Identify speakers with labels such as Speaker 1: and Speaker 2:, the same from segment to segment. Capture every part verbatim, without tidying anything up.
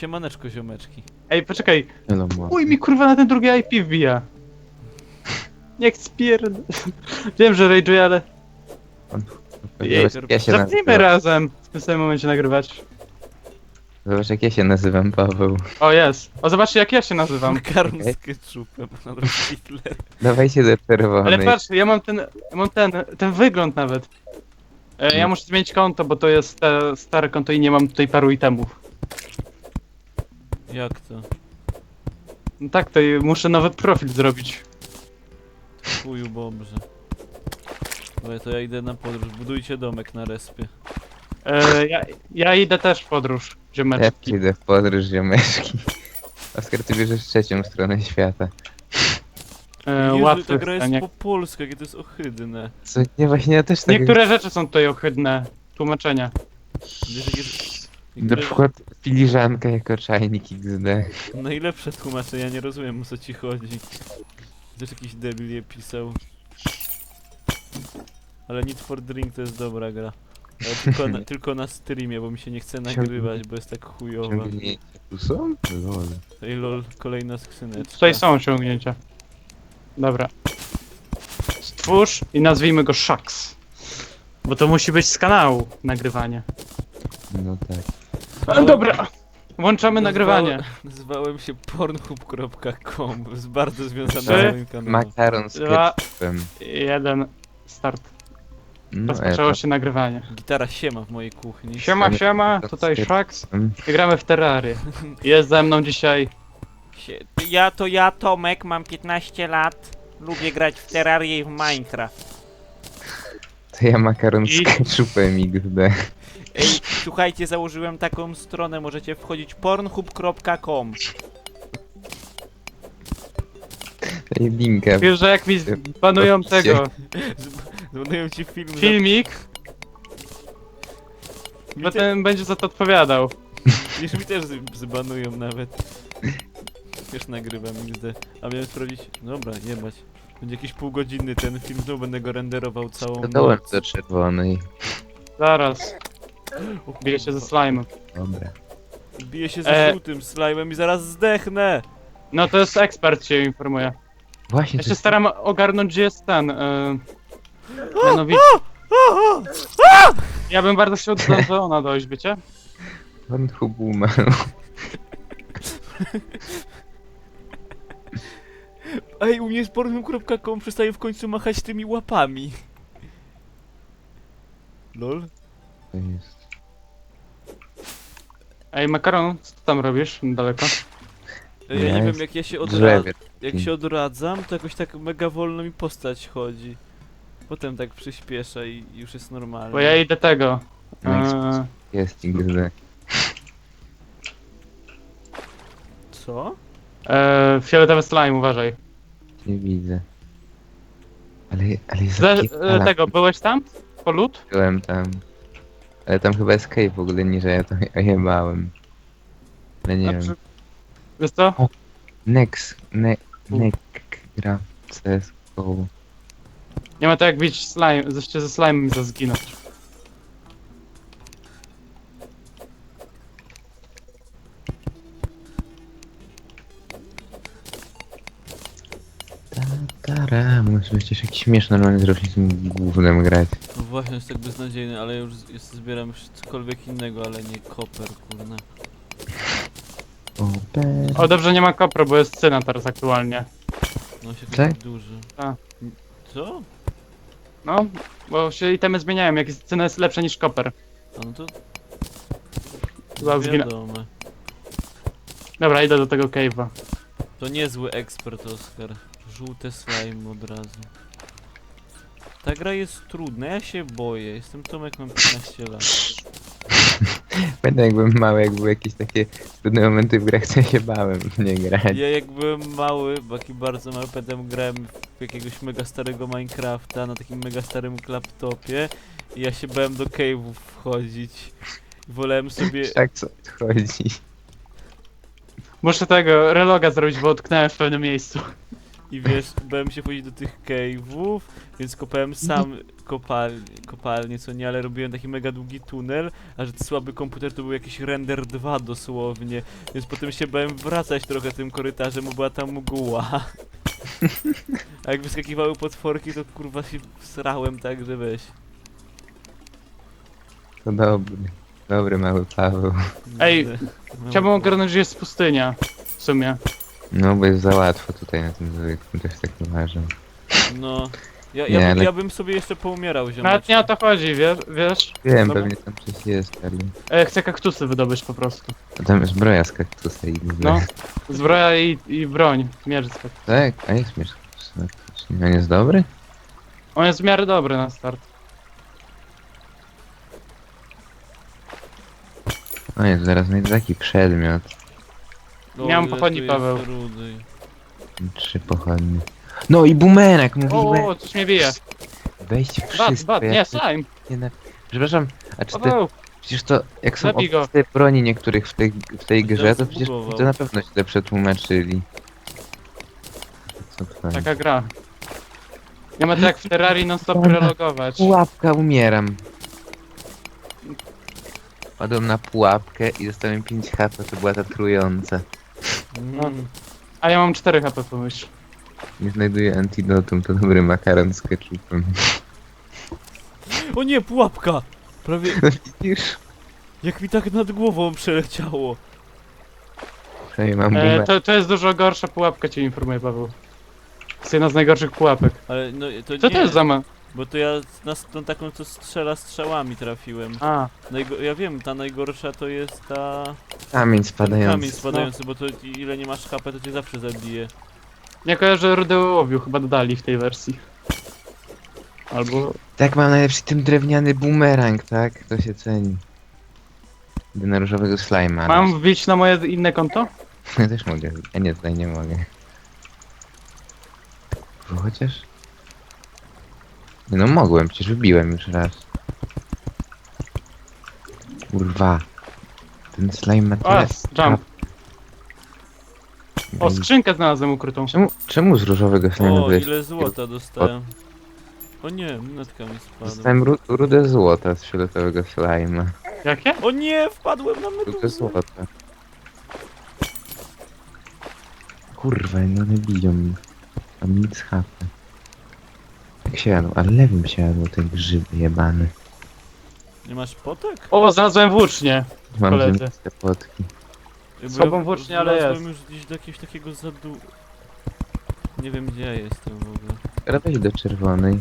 Speaker 1: Siemaneczko, ziomeczki.
Speaker 2: Ej, poczekaj.
Speaker 3: Hello, mo.
Speaker 2: Uj, mi kurwa na ten drugi I P wbija. Niech spierd... Wiem, że rage'uję, ale... Jej,
Speaker 3: Zobacz, jak ja się
Speaker 2: Zapnijmy
Speaker 3: nazywam.
Speaker 2: razem w tym samym momencie nagrywać.
Speaker 3: Zobacz, jak ja się nazywam, Paweł.
Speaker 2: O, jest. O, zobaczcie jak ja się nazywam.
Speaker 1: Makaron
Speaker 3: Okej.
Speaker 1: z ketchupem, Adolf Hitler.
Speaker 3: Dawajcie do czerwonej.
Speaker 2: Ale patrz, ja mam ten, ja mam ten, ten wygląd nawet. E, ja muszę zmienić konto, bo to jest te stare konto i nie mam tutaj paru itemów.
Speaker 1: Jak to?
Speaker 2: No tak, to i muszę nowy profil zrobić.
Speaker 1: Chuju bobrze. Dobra, to ja idę na podróż. Budujcie domek na respie.
Speaker 2: E, ja, ja idę też w podróż,
Speaker 3: Ja
Speaker 2: ziomeczki.
Speaker 3: przyjdę w podróż, ziomeczki. Oskar, ty bierzesz trzecią stronę świata.
Speaker 2: E,
Speaker 1: Jezu,
Speaker 2: łatwy
Speaker 1: ta gra jest
Speaker 2: stanie.
Speaker 1: po polsku, jakie to jest ohydne.
Speaker 3: Co? Nie, właśnie ja też tak...
Speaker 2: Niektóre rzeczy są tutaj ohydne. Tłumaczenia.
Speaker 1: Wiesz, jakie...
Speaker 3: Na
Speaker 1: niektóre-
Speaker 3: przykład filiżanka jako czajnik X D.
Speaker 1: Najlepsze tłumaczenie, ja nie rozumiem, o co ci chodzi. Też jakiś debil je pisał. Ale Need for Drink to jest dobra gra. Ale tylko na, tylko na streamie, bo mi się nie chce nagrywać, bo jest tak chujowa.
Speaker 3: Ciągnięcia tu są? Lol.
Speaker 1: Ej lol, kolejna skrzyneczka.
Speaker 2: Tutaj są osiągnięcia. Dobra. Stwórz i nazwijmy go Shax. Bo to musi być z kanału nagrywanie.
Speaker 3: No tak.
Speaker 2: Ale dobra. Włączamy
Speaker 1: Nazwałem-
Speaker 2: nagrywanie.
Speaker 1: Nazwałem się pornhub kropka com, jest bardzo związane
Speaker 2: Trzy,
Speaker 1: z moim kanałem.
Speaker 3: Makaron z
Speaker 2: Dwa.
Speaker 3: ketchupem.
Speaker 2: Jeden. Start.
Speaker 3: No,
Speaker 2: Rozpoczęło
Speaker 3: e,
Speaker 2: się nagrywanie.
Speaker 1: Gitara siema w mojej kuchni.
Speaker 2: Siema, siema. Tutaj Shax.
Speaker 3: tam.
Speaker 2: I gramy w Terrarię. Jest ze mną dzisiaj.
Speaker 1: Sie- Ja to ja, Tomek, mam piętnaście lat. Lubię grać w Terrarię i w Minecraft.
Speaker 3: To ja makaron z
Speaker 2: I-
Speaker 3: ketchupem X D.
Speaker 1: Ej, słuchajcie, założyłem taką stronę, możecie wchodzić pornhub kropka com.
Speaker 3: Daj linkę.
Speaker 2: Wiesz, że jak mi banują tego
Speaker 1: Zbanuję ci film za...
Speaker 2: filmik,
Speaker 1: Mi te...
Speaker 2: potem będzie za to odpowiadał.
Speaker 1: Wiesz, mi też z- zbanują nawet. Już nagrywam X D. A miałem sprawdzić... Dobra, jebać. Będzie jakiś półgodzinny ten film, znowu będę go renderował całą
Speaker 3: Dodałem
Speaker 1: noc.
Speaker 3: do czerwonej.
Speaker 2: Zaraz.
Speaker 1: O
Speaker 2: Bije się ze
Speaker 1: kurwa.
Speaker 2: slime'em.
Speaker 3: Dobra.
Speaker 1: Biję się ze
Speaker 2: E.
Speaker 1: żółtym slime'em i zaraz zdechnę!
Speaker 2: No to jest ekspert się informuje.
Speaker 3: Właśnie,
Speaker 2: Ja
Speaker 3: to
Speaker 2: się
Speaker 3: jest
Speaker 2: staram ogarnąć, gdzie jest ten. Yy, mianowicie. Ja bym bardzo chciał do Zona dojść, wiecie?
Speaker 3: Pornhub umarł.
Speaker 1: Ej, u mnie jest pornhub kropka com przestaje w końcu machać tymi łapami. Lol?
Speaker 3: To jest.
Speaker 2: Ej, Makaron, co ty tam robisz daleko?
Speaker 1: Ej, ja nie
Speaker 3: Jest
Speaker 1: wiem, jak ja się odradzam.
Speaker 3: Drzewie.
Speaker 1: Jak się odradzam, to jakoś tak mega wolno mi postać chodzi. Potem tak przyspiesza i już jest normalnie.
Speaker 2: Bo ja idę tego.
Speaker 3: Next.
Speaker 2: Yy,
Speaker 3: Jest X D.
Speaker 1: Co?
Speaker 2: yy, fioletowy slime, uważaj.
Speaker 3: Nie widzę. Ale, ale jest
Speaker 2: Ze,
Speaker 3: zapierdala.
Speaker 2: yy, tego, byłeś tam? Po lód?
Speaker 3: Byłem tam. Ale tam chyba escape w ogóle nie, że ja to ojebałem. Ale nie
Speaker 2: Znaczy,
Speaker 3: wiem.
Speaker 2: wiesz co?
Speaker 3: Next. Ne, nek gra w C S G O.
Speaker 2: Nie ma to jak bić slime, zresztą ze slime za zginąć.
Speaker 3: Tara, muszę przecież jakiś śmieszny normalnie zrobić z tym głównym grać.
Speaker 1: No właśnie, jest tak beznadziejny, ale już z- jest, zbieram już cokolwiek innego, ale nie koper, kurna.
Speaker 3: Open.
Speaker 2: O, dobrze, nie ma kopro, bo jest cyna teraz aktualnie.
Speaker 1: No się
Speaker 3: Tak?
Speaker 1: taki duży.
Speaker 2: A.
Speaker 1: Co?
Speaker 2: No, bo się itemy zmieniają, jak jest, cyna jest lepsza niż koper.
Speaker 1: A no to...
Speaker 2: Chyba zginę.
Speaker 1: Wiadome.
Speaker 2: Dobra, idę do tego cave'a.
Speaker 1: To niezły ekspert, Oskar. Żółte slime od razu. Ta gra jest trudna, ja się boję. Jestem Tomek, mam piętnaście lat.
Speaker 3: Pamiętam jak byłem mały, jak były jakieś takie trudne momenty w grach, co ja się bałem w nie grać.
Speaker 1: Ja jak byłem mały, taki bardzo mały, pamiętam grałem w jakiegoś mega starego Minecrafta na takim mega starym laptopie i ja się bałem do cave'ów wchodzić. Wolałem sobie...
Speaker 3: Tak co odchodzi.
Speaker 2: Muszę tego reloga zrobić, bo utknąłem w pewnym miejscu.
Speaker 1: I wiesz, bałem się wchodzić do tych cave'ów, więc kopałem sam kopal kopalnię, co nie, ale robiłem taki mega długi tunel, a że słaby komputer to był jakiś render dwa dosłownie, więc potem się bałem wracać trochę tym korytarzem, bo była tam mgła. A jak wyskakiwały potworki, to kurwa się srałem tak, że weź.
Speaker 3: To dobry. Dobry mały Paweł.
Speaker 2: Ej,
Speaker 1: Kurde. No,
Speaker 2: Chciałbym ogarnąć, że jest pustynia. W sumie.
Speaker 3: No bo jest za łatwo tutaj na tym zwykłym, też tak uważam.
Speaker 1: No. Ja,
Speaker 3: Nie,
Speaker 1: ja, bym,
Speaker 3: ale-
Speaker 1: ja bym sobie jeszcze poumierał,
Speaker 2: Nawet
Speaker 1: ziomeczku.
Speaker 2: nie o to chodzi, wiesz? wiesz?
Speaker 3: Wiem,
Speaker 2: Dobra.
Speaker 3: pewnie tam coś jest, ale...
Speaker 2: E, chcę kaktusy wydobyć po prostu.
Speaker 3: A tam jest zbroja z kaktusa i...
Speaker 2: No. Zbroja i, i broń. Miecz z kaktusa.
Speaker 3: Tak, a jest miecz z kaktusa. faktycznie. On jest dobry?
Speaker 2: On jest w miarę dobry na start.
Speaker 3: O jest, zaraz znajdę taki przedmiot.
Speaker 1: O,
Speaker 2: Miałem
Speaker 1: ile
Speaker 2: pochodni,
Speaker 1: tu jest
Speaker 2: Paweł.
Speaker 1: rudy.
Speaker 3: Trzy pochodnie. No i bumerang, mówiłem!
Speaker 2: O, coś mnie bije.
Speaker 3: Weźcie
Speaker 2: Bad,
Speaker 3: wszystko,
Speaker 2: bad,
Speaker 3: ja
Speaker 2: nie,
Speaker 3: tu
Speaker 2: slime.
Speaker 3: nie na... Przepraszam, a czy te...
Speaker 2: Paweł,
Speaker 3: Przecież to, jak są
Speaker 2: Zabij go.
Speaker 3: opisy broni niektórych w tej, w tej grze,
Speaker 1: Teraz
Speaker 3: to przecież
Speaker 1: zbugował.
Speaker 3: to na pewno źle przetłumaczyli. Co to jest?
Speaker 2: taka gra. Nie ma to jak w Terrarii non stop relogować.
Speaker 3: Pułapka, umieram. Padłem na pułapkę i dostałem pięć H P, to była ta trująca.
Speaker 1: Mm.
Speaker 2: A ja mam cztery H P, pomyśl.
Speaker 3: Nie znajduję antidotum, to dobry makaron z ketchupem.
Speaker 1: O nie, pułapka! Prawie
Speaker 3: No widzisz?
Speaker 1: jak mi tak nad głową przeleciało.
Speaker 3: Przynajmniej mam
Speaker 2: E,
Speaker 3: bumerang.
Speaker 2: to, to jest dużo gorsza pułapka, cię informuję, Paweł. To jest jedna z najgorszych pułapek.
Speaker 1: Ale no to
Speaker 2: Co
Speaker 1: nie,
Speaker 2: to jest za ma...
Speaker 1: bo to ja na s- tą taką, co strzela strzałami trafiłem.
Speaker 2: A,
Speaker 1: Najgo ja wiem, ta najgorsza to jest ta...
Speaker 3: Kamień
Speaker 1: ten
Speaker 3: spadający.
Speaker 1: kamień spadający, bo to ile nie masz H P, to cię zawsze zabije.
Speaker 2: nie kojarzę Rudy Ołowiu, chyba dodali w tej wersji. Albo...
Speaker 3: Tak, mam najlepszy tym drewniany bumerang, tak? To się ceni. Idę na różowego slajma.
Speaker 2: Mam wbić na moje inne konto?
Speaker 3: Ja też mogę. A nie, tutaj nie mogę. Bo chociaż... Nie no mogłem, przecież wybiłem już raz. Kurwa. Ten slime ma
Speaker 2: O,
Speaker 3: tyle...
Speaker 2: jump. O,
Speaker 3: Ej,
Speaker 2: skrzynkę znalazłem ukrytą.
Speaker 3: Czemu, czemu z różowego slime'a
Speaker 1: O,
Speaker 3: wyjść?
Speaker 1: ile złota dostałem. O nie, monetka mi spadła.
Speaker 3: Dostałem ru rudę złota z fioletowego slime'a.
Speaker 2: Jakie?
Speaker 1: O nie, wpadłem na
Speaker 3: Rudę
Speaker 1: meduzę.
Speaker 3: złota. Kurwa, no nie biją mi. Mam nic H P. Jak siadł, ale lewym siadł te grzyby jebane.
Speaker 1: Nie masz potek?
Speaker 2: O, znalazłem włócznie.
Speaker 3: Mam
Speaker 2: Koledzy.
Speaker 3: te potki.
Speaker 1: Bo
Speaker 2: Słabą
Speaker 1: ja
Speaker 2: włócznię, ale
Speaker 1: wlazłem
Speaker 2: jest.
Speaker 1: już gdzieś do jakiegoś takiego zadu... Nie wiem gdzie ja jestem w ogóle.
Speaker 3: Teraz wejdź do czerwonej.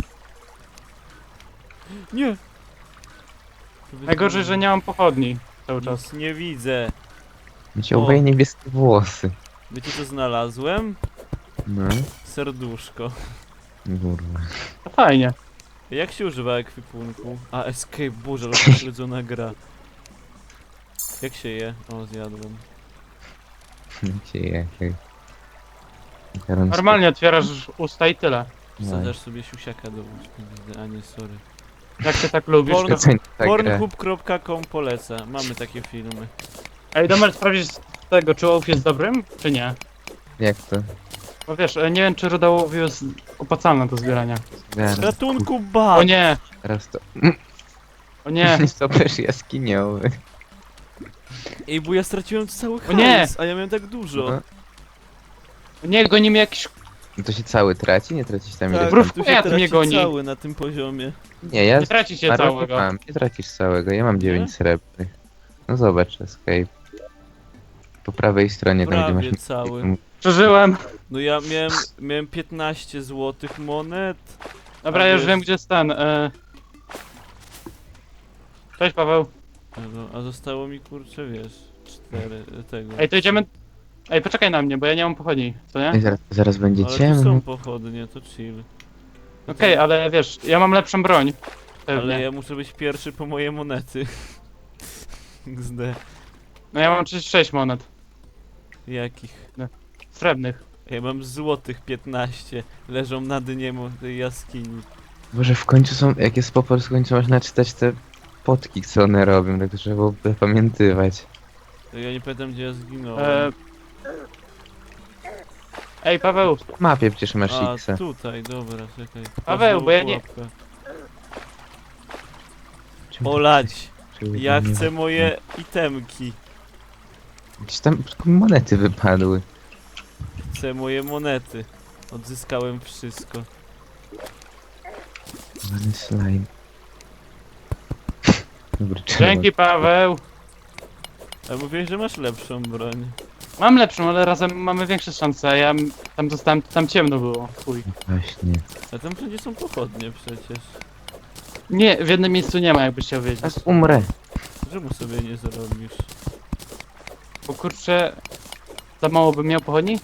Speaker 1: Nie!
Speaker 2: Najgorzej, że nie mam pochodni cały czas.
Speaker 1: Nic nie widzę.
Speaker 3: Miecie
Speaker 1: O.
Speaker 3: oboje niebieskie włosy.
Speaker 1: Wiecie co znalazłem?
Speaker 3: No.
Speaker 1: Serduszko.
Speaker 3: Kurwa.
Speaker 2: To fajnie.
Speaker 1: Jak się używa ekwipunku? A, escape, boże, ale pośledzona gra. Jak się je? O, zjadłem.
Speaker 3: Wiecie jak... Makaron z
Speaker 2: Normalnie otwierasz usta i tyle.
Speaker 3: No.
Speaker 1: Wsadzasz sobie siusiaka do ust. A nie, sorry.
Speaker 2: Jak ty tak lubisz,
Speaker 1: Porno-
Speaker 2: to...
Speaker 3: Doceń tę grę.
Speaker 1: pornhub kropka com poleca. Mamy takie filmy.
Speaker 2: Ej, Domer, sprawdzić z tego, czy ołów jest dobrym, czy nie?
Speaker 3: Jak to?
Speaker 2: Bo wiesz, e, nie wiem, czy ruda ołowiu jest opłacalna do zbierania.
Speaker 3: Zaraz,
Speaker 1: Ratunku,
Speaker 2: O
Speaker 1: ba!
Speaker 2: nie,
Speaker 3: Teraz to...
Speaker 2: o nie.
Speaker 3: Stoperz jaskiniowy.
Speaker 1: Ej, bo ja straciłem cały
Speaker 2: O nie!
Speaker 1: hajs, a ja miałem tak dużo.
Speaker 3: No.
Speaker 2: O nie, goni mnie jakiś...
Speaker 3: No to się cały traci? Nie tracisz tam
Speaker 1: Tak,
Speaker 3: ileś
Speaker 2: Brów-
Speaker 3: tam...
Speaker 1: tu się
Speaker 2: ja tu mnie
Speaker 1: traci
Speaker 2: goni.
Speaker 1: cały na tym poziomie.
Speaker 3: Nie, ja...
Speaker 2: Nie tracicie
Speaker 3: Parę
Speaker 2: całego.
Speaker 3: mam, nie tracisz całego, ja mam dziewięć
Speaker 1: Nie?
Speaker 3: srebrnych. No zobacz, escape. Po prawej stronie, tam gdzie
Speaker 1: Prawie
Speaker 3: masz...
Speaker 1: cały.
Speaker 2: Przeżyłem.
Speaker 1: No ja miałem, miałem piętnaście złotych monet.
Speaker 2: Dobra,
Speaker 1: A
Speaker 2: ja już
Speaker 1: wiesz-
Speaker 2: wiem, gdzie jest ten. E... Cześć, Paweł.
Speaker 1: A, no, a zostało mi kurczę, wiesz, cztery tego.
Speaker 2: Ej, to idziemy... Ej, poczekaj na mnie, bo ja nie mam pochodni, co nie?
Speaker 3: Ej, zaraz, zaraz będzie
Speaker 1: Ale tu
Speaker 3: ciemno.
Speaker 1: są pochodnie, to chill.
Speaker 2: Okej, ale wiesz, ja mam lepszą broń. Pewnie.
Speaker 1: Ale ja muszę być pierwszy po moje monety. X D.
Speaker 2: No ja mam trzydzieści sześć monet.
Speaker 1: Jakich?
Speaker 2: Srebrnych.
Speaker 1: Ja mam złotych piętnaście. Leżą na dnie mo- tej jaskini.
Speaker 3: Boże, w końcu są... Jak jest po polsku, w końcu można czytać te potki, co one robią, tak to trzeba było zapamiętywać.
Speaker 1: To ja nie pamiętam gdzie ja zginąłem.
Speaker 2: E... Ej, Paweł,
Speaker 3: W mapie przecież masz
Speaker 1: A,
Speaker 3: X-a.
Speaker 1: tutaj, dobra, czekaj.
Speaker 2: Paweł,
Speaker 1: Znowu
Speaker 2: bo ja nie-
Speaker 1: pułapka.
Speaker 3: Czemu-
Speaker 1: Olać,
Speaker 3: czemu
Speaker 1: ja
Speaker 3: nie-
Speaker 1: chcę moje itemki.
Speaker 3: Gdzieś tam tylko monety wypadły.
Speaker 1: Chcę moje monety. Odzyskałem wszystko.
Speaker 3: Mamy slime. Dobry czerwony.
Speaker 2: dzięki Paweł.
Speaker 1: A mówiłeś, że masz lepszą broń.
Speaker 2: Mam lepszą, ale razem mamy większe szanse, a ja m- tam dostałem, tam ciemno było. Chuj.
Speaker 3: Właśnie.
Speaker 1: A tam wszędzie są pochodnie przecież.
Speaker 2: Nie, w jednym miejscu nie ma, jakbyś chciał wiedzieć.
Speaker 3: Teraz umrę.
Speaker 1: Czemu sobie nie zrobisz?
Speaker 2: Bo kurczę, za mało bym miał pochodni?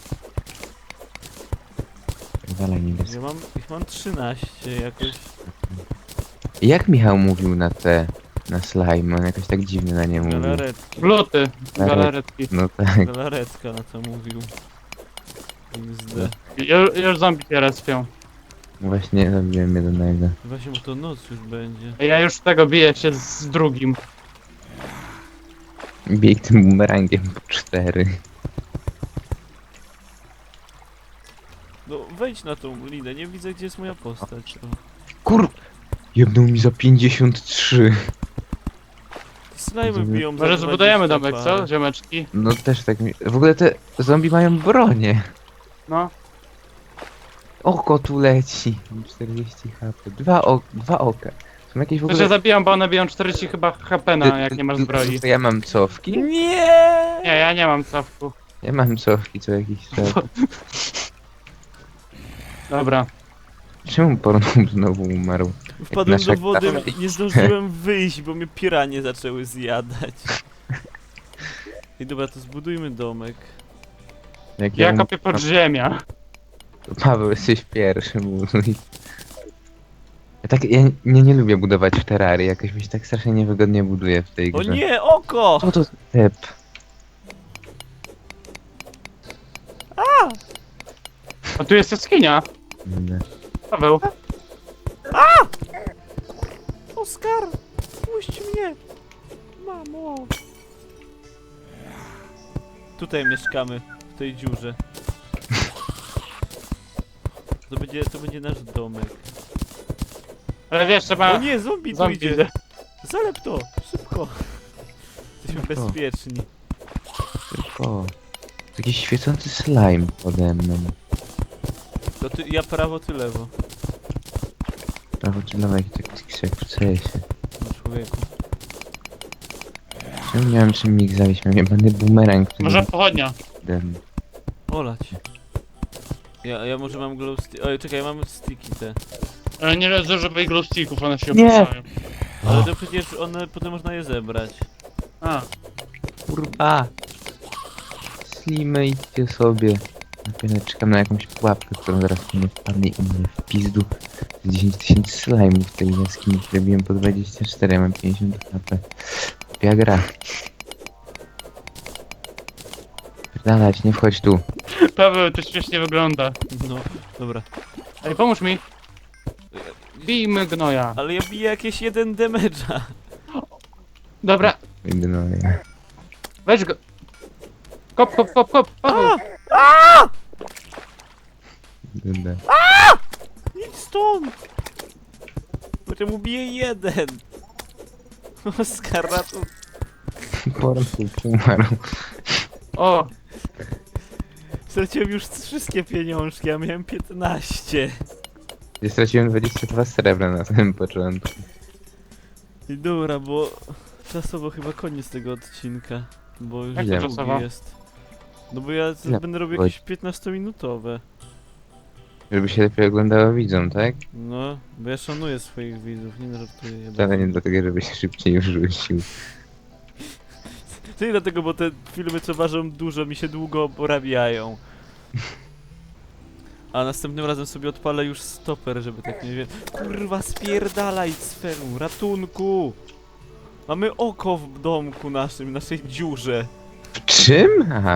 Speaker 3: Walaj niebieski.
Speaker 1: Ja mam, ich mam trzynaście jakoś.
Speaker 3: Jak Michał mówił na te... na slime? On jakoś tak dziwnie na nie mówił.
Speaker 1: Galaretki.
Speaker 2: Gluty, galaretki.
Speaker 3: No tak.
Speaker 1: Galaretka na to mówił. X D.
Speaker 2: Ju, już zombie się respią.
Speaker 3: Właśnie robiłem jednego.
Speaker 1: Właśnie, bo to noc już będzie.
Speaker 2: Ja już tego biję się z drugim.
Speaker 3: Bieg tym bumerangiem po cztery.
Speaker 1: No wejdź na tą linę, nie widzę gdzie jest moja postać. O.
Speaker 3: Kur... Jebnął mi za pięćdziesiąt trzy.
Speaker 1: Slajmy
Speaker 3: Rozumiem.
Speaker 1: biją za
Speaker 2: Może zbudujemy
Speaker 1: dwadzieścia
Speaker 2: domek,
Speaker 1: parę.
Speaker 2: co? Ziomeczki.
Speaker 3: No też tak mi... W ogóle te zombie mają bronię.
Speaker 2: No.
Speaker 3: Oko tu leci. czterdzieści H P. Dwa, o... Dwa oka. Są jakieś w
Speaker 2: To się
Speaker 3: ogóle...
Speaker 2: zabijam, bo one biją czterdzieści chyba H P na, jak nie masz zbroi.
Speaker 3: To ja mam cofki?
Speaker 1: Nie!
Speaker 2: Nie, ja nie mam cofku.
Speaker 3: Ja mam cofki co jakiś czas.
Speaker 2: Dobra.
Speaker 3: Czemu Pornhub znowu umarł?
Speaker 1: Wpadłem
Speaker 3: nasza
Speaker 1: do wody,
Speaker 3: gra-
Speaker 1: nie zdążyłem wyjść, bo mnie piranie zaczęły zjadać. I dobra, to zbudujmy domek.
Speaker 3: Jak
Speaker 2: Ja
Speaker 3: um-
Speaker 2: kopię podziemia.
Speaker 3: To Paweł, jesteś pierwszy, mój. Ja tak, ja nie, nie lubię budować w terrarii, jakoś mi się tak strasznie niewygodnie buduje w tej
Speaker 1: O
Speaker 3: grze.
Speaker 1: nie, oko!
Speaker 3: Co to za tep?
Speaker 2: A tu jest jaskinia.
Speaker 3: Kurde.
Speaker 2: Paweł.
Speaker 1: Oskar! Puść mnie! Mamo! Tutaj mieszkamy, w tej dziurze. To będzie, to będzie nasz domek.
Speaker 2: Ale wiesz,
Speaker 1: O
Speaker 2: trzeba...
Speaker 1: nie, zombie tu
Speaker 2: Zombie
Speaker 1: idzie!
Speaker 2: idzie.
Speaker 1: Zalep to! Szybko! Jesteśmy
Speaker 3: No to.
Speaker 1: bezpieczni.
Speaker 3: O, jakiś świecący slime pode mną.
Speaker 1: To ty, ja prawo, ty lewo.
Speaker 3: Prawo czy lewo, jak tak jak w C S-ie.
Speaker 1: No człowieku.
Speaker 3: Czemu nie mam czym ich zawieść? Mam jebany bumerang, który...
Speaker 2: Może pochodnia.
Speaker 3: Dem.
Speaker 1: Olać. Ja, ja może mam glow stick. Oj, czekaj, ja mam sticki te.
Speaker 2: Ale nie zużywaj glow sticków, one się
Speaker 3: Nie.
Speaker 2: opłacają.
Speaker 1: Ale to przecież one, potem można je zebrać.
Speaker 2: A,
Speaker 3: Kurwa! Slimy, idźcie sobie. Napiero czekam na jakąś pułapkę, którą zaraz mnie wpadnie i mnie w pizdu. dziesięć tysięcy slime'ów w tej jaskini, które biłem po dwadzieścia cztery, ja mam pięćdziesiąt H P. Ja gra. Pierdalać, nie wchodź tu.
Speaker 2: Paweł, to śmiesznie wygląda.
Speaker 1: No, dobra.
Speaker 2: Ej, pomóż mi. Bijmy gnoja.
Speaker 1: Ale ja biję jakieś jeden damage'a.
Speaker 2: Dobra,
Speaker 3: Ignoruję.
Speaker 2: weź go. Kop, kop, kop, kop, Paweł.
Speaker 3: Dobra.
Speaker 1: Idź stąd! Potem ubiję jeden. Oskar, ratuj.
Speaker 3: Pornhub umarł.
Speaker 2: O,
Speaker 1: Straciłem już wszystkie pieniążki, a miałem piętnaście.
Speaker 3: Ja straciłem dwadzieścia dwa srebra na samym początku.
Speaker 1: I dobra, bo czasowo chyba koniec tego odcinka. Bo już
Speaker 2: Jak
Speaker 3: to
Speaker 1: długi
Speaker 2: czasowo?
Speaker 1: jest. No bo ja z-
Speaker 3: Ile
Speaker 1: będę robił
Speaker 3: godzin?
Speaker 1: jakieś piętnastominutowe.
Speaker 3: Żeby się lepiej oglądało widzom, tak?
Speaker 1: No, bo ja szanuję swoich widzów, nie żartuję. Ja
Speaker 3: Wcale nie dlatego, żeby się szybciej wrzucił.
Speaker 1: To nie dlatego, bo te filmy co ważą dużo mi się długo porabiają. A następnym razem sobie odpalę już stoper, żeby tak nie wiem. Kurwa, spierdalaj sferu, ratunku! Mamy oko w domku naszym, naszej dziurze.
Speaker 3: W czym? Aha,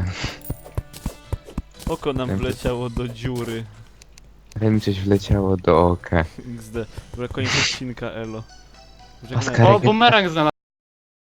Speaker 1: Oko nam
Speaker 3: Wiem, że-
Speaker 1: wleciało do dziury.
Speaker 3: ale mi coś wleciało do oka.
Speaker 1: X D. Dobra, koniec odcinka, elo. Żegnajmy.
Speaker 3: Oskar,
Speaker 2: o, bumerang znalazłem.